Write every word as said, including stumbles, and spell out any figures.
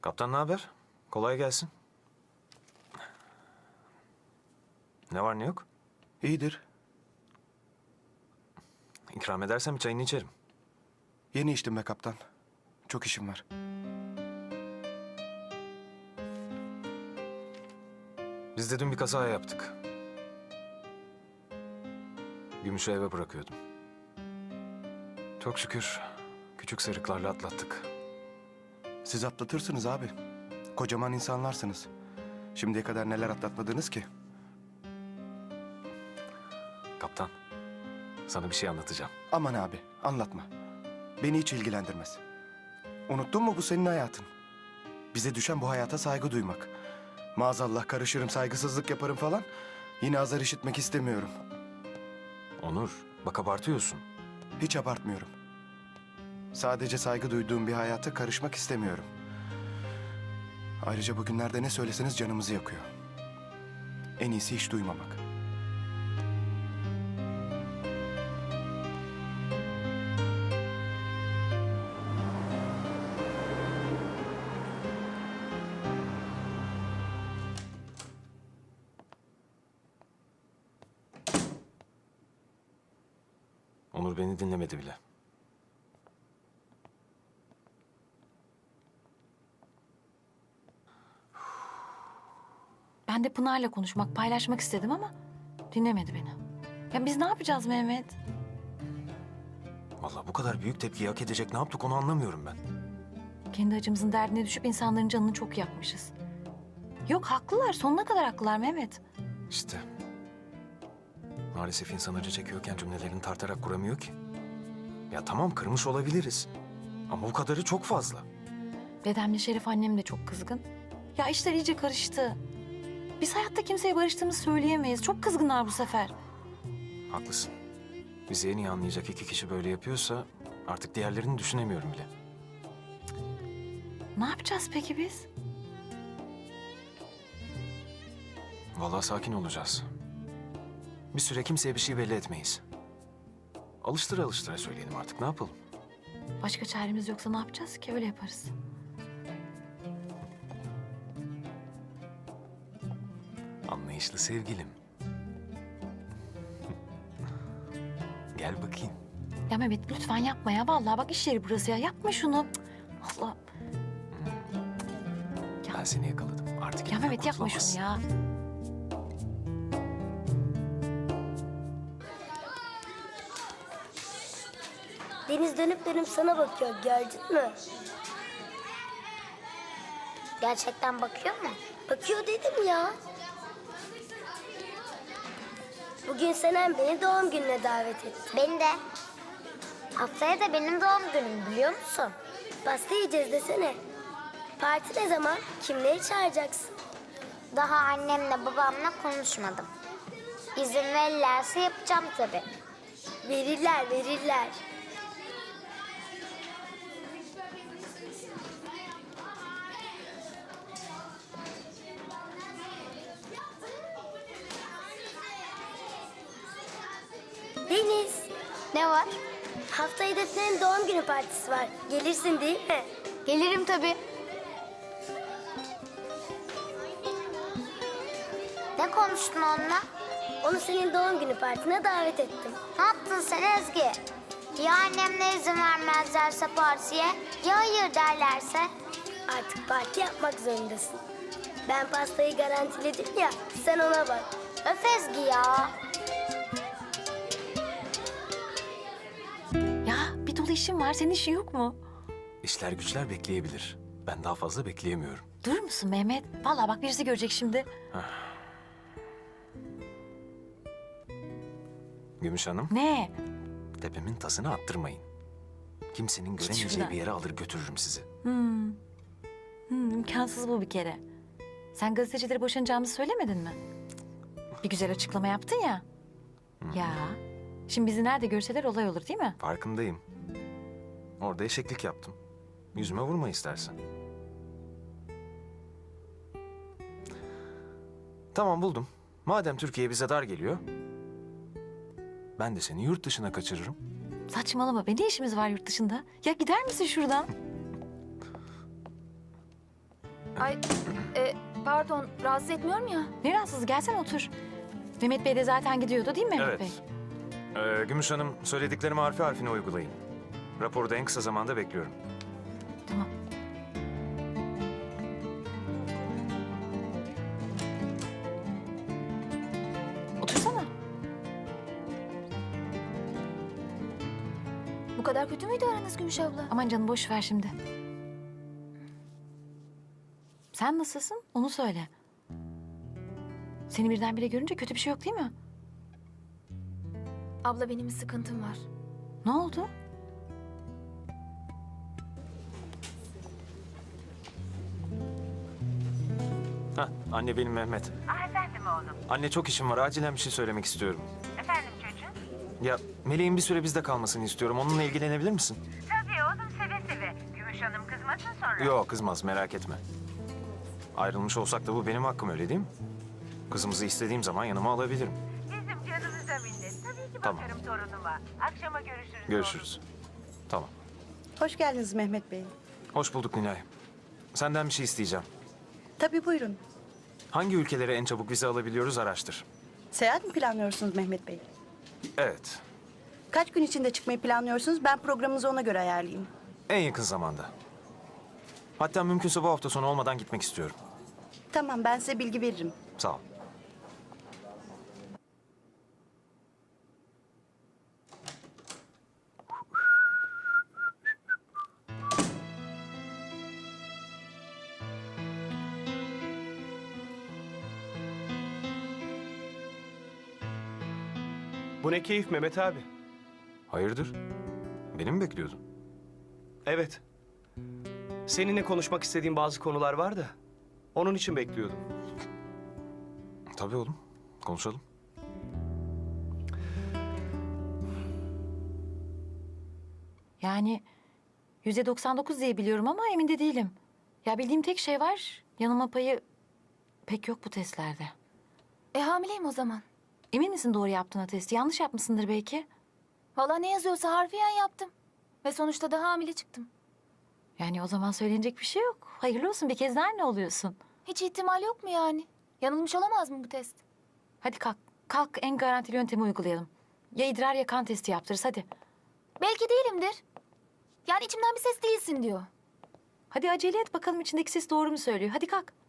Kaptan ne haber? Kolay gelsin. Ne var ne yok? İyidir. İkram edersem bir çayını içerim. Yeni içtim be kaptan. Çok işim var. Biz de dün bir kaza yaptık. Gümüş'ü eve bırakıyordum. Çok şükür küçük sıyrıklarla atlattık. Siz atlatırsınız abi. Kocaman insanlarsınız. Şimdiye kadar neler atlatmadınız ki? Kaptan, sana bir şey anlatacağım. Aman abi anlatma. Beni hiç ilgilendirmez. Unuttun mu bu senin hayatın? Bize düşen bu hayata saygı duymak. Maazallah karışırım, saygısızlık yaparım falan. Yine azar işitmek istemiyorum. Onur, bak abartıyorsun. Hiç abartmıyorum. Sadece saygı duyduğum bir hayata karışmak istemiyorum. Ayrıca bugünlerde ne söyleseniz canımızı yakıyor. En iyisi hiç duymamak. Onur beni dinlemedi bile. Ben de Pınar'la konuşmak, paylaşmak istedim ama dinlemedi beni. Ya biz ne yapacağız Mehmet? Vallahi bu kadar büyük tepkiyi hak edecek ne yaptık onu anlamıyorum ben. Kendi acımızın derdine düşüp insanların canını çok yakmışız. Yok haklılar, sonuna kadar haklılar Mehmet. İşte. Maalesef insan acı çekiyorken cümlelerini tartarak kuramıyor ki. Ya tamam kırmış olabiliriz. Ama bu kadarı çok fazla. Dedemle Şerif annem de çok kızgın. Ya işler iyice karıştı. Biz hayatta kimseye barıştığımızı söyleyemeyiz. Çok kızgınlar bu sefer. Haklısın. Bizi en iyi anlayacak iki kişi böyle yapıyorsa artık diğerlerini düşünemiyorum bile. Ne yapacağız peki biz? Vallahi sakin olacağız. Bir süre kimseye bir şey belli etmeyiz. Alıştıra alıştıra söyleyelim artık ne yapalım? Başka çaremiz yoksa ne yapacağız ki? Öyle yaparız. Anlayışlı sevgilim. Gel bakayım. Ya Mehmet lütfen yapma ya. Vallahi bak iş yeri burası ya. Yapma şunu. Cık, Allah. Ben seni yakaladım. Artık Ya elimden Mehmet yapma kurtulamazsın. şunu ya. Deniz dönüp dönüp sana bakıyor, gördün mü? Gerçekten bakıyor mu? Bakıyor dedim ya. Bugün Senem beni doğum gününe davet etti. Beni de. Haftaya da benim doğum günüm biliyor musun? Pasta yiyeceğiz desene. Parti ne zaman? Kimleri çağıracaksın? Daha annemle babamla konuşmadım. İzin verirlerse yapacağım tabii. Verirler, verirler. Deniz, Ne var? haftaya Defne'nin doğum günü partisi var. Gelirsin değil mi? Gelirim tabii. Ne konuştun onunla? Onu senin doğum günü partine davet ettim. Ne yaptın sen Ezgi? Ya annemle izin vermezlerse partiye? Ya hayır derlerse? Artık parti yapmak zorundasın. Ben pastayı garantiledim ya, sen ona bak. Öf Ezgi ya. Ya bir dolu işim var. Senin işin yok mu? İşler güçler bekleyebilir. Ben daha fazla bekleyemiyorum. Durur musun Mehmet? Vallahi bak birisi görecek şimdi. Gümüş Hanım, Ne? tepemin tasını attırmayın. Kimsenin şuradan. göremeyeceği bir yere alır götürürüm sizi. Hmm. Hmm, imkansız bu bir kere. Sen gazetecilere boşanacağımızı söylemedin mi? Bir güzel açıklama yaptın ya. Ya. Şimdi bizi nerede görseler olay olur değil mi? Farkındayım. Orada eşeklik yaptım. Yüzüme vurma istersen. Tamam buldum. Madem Türkiye bize dar geliyor... ben de seni yurt dışına kaçırırım. Saçmalama be. Ne işimiz var yurt dışında? Ya gider misin şuradan? Ay, e, pardon, rahatsız etmiyorum ya. Ne rahatsız, gelsene otur. Mehmet Bey de zaten gidiyordu değil mi Mehmet Evet. Bey? Ee, Gümüş Hanım, söylediklerimi harfi harfine uygulayın. Raporu da en kısa zamanda bekliyorum. Tamam. Otursana. Bu kadar kötü müydü aranız Gümüş abla? Aman canım boş ver şimdi. Sen nasılsın? Onu söyle. Seni birdenbire görünce kötü bir şey yok değil mi? Abla benim bir sıkıntım var. Ne oldu? Hah, anne benim Mehmet. Ah efendim oğlum. Anne çok işim var, acilen bir şey söylemek istiyorum. Efendim çocuğum? Ya Meleğin bir süre bizde kalmasını istiyorum. Onunla ilgilenebilir misin? Tabii oğlum seve seve. Gümüş Hanım kızmasın sonra. Yok kızmaz, merak etme. Ayrılmış olsak da bu benim hakkım, öyle değil mi? Kızımızı istediğim zaman yanıma alabilirim. Bizim canımıza minnet. Tabii ki Tamam. bakarım torunuma. Akşama görüşürüz. Görüşürüz. Tamam. Hoş geldiniz Mehmet Bey. Hoş bulduk Nilay. Senden bir şey isteyeceğim. Tabii buyurun. Hangi ülkelere en çabuk vize alabiliyoruz araştır. Seyahat mi planlıyorsunuz Mehmet Bey? Evet, Kaç gün içinde çıkmayı planlıyorsunuz? Ben programınızı ona göre ayarlayayım. en yakın zamanda. Hatta mümkünse bu hafta sonu olmadan gitmek istiyorum. Tamam, ben size bilgi veririm. Sağ ol. Bu ne keyif Mehmet abi? Hayırdır? Beni mi bekliyordun? Evet. Seninle konuşmak istediğim bazı konular var da onun için bekliyordum. Tabii oğlum. Konuşalım. Yani yüzde doksan dokuz diye biliyorum ama emin de değilim. Ya bildiğim tek şey var. Yanılma payı pek yok bu testlerde. E hamileyim o zaman. Emin misin doğru yaptığına testi? Yanlış yapmışsındır belki. Valla ne yazıyorsa harfiyen yaptım. Ve sonuçta da hamile çıktım. Yani o zaman söylenecek bir şey yok. Hayırlı olsun, bir kez daha anne oluyorsun. Hiç ihtimal yok mu yani? Yanılmış olamaz mı bu test? Hadi kalk. Kalk, en garantili yöntemi uygulayalım. Ya idrar ya kan testi yaptırırız hadi. Belki değilimdir. Yani içimden bir ses değilsin diyor. Hadi acele et bakalım içindeki ses doğru mu söylüyor. Hadi kalk.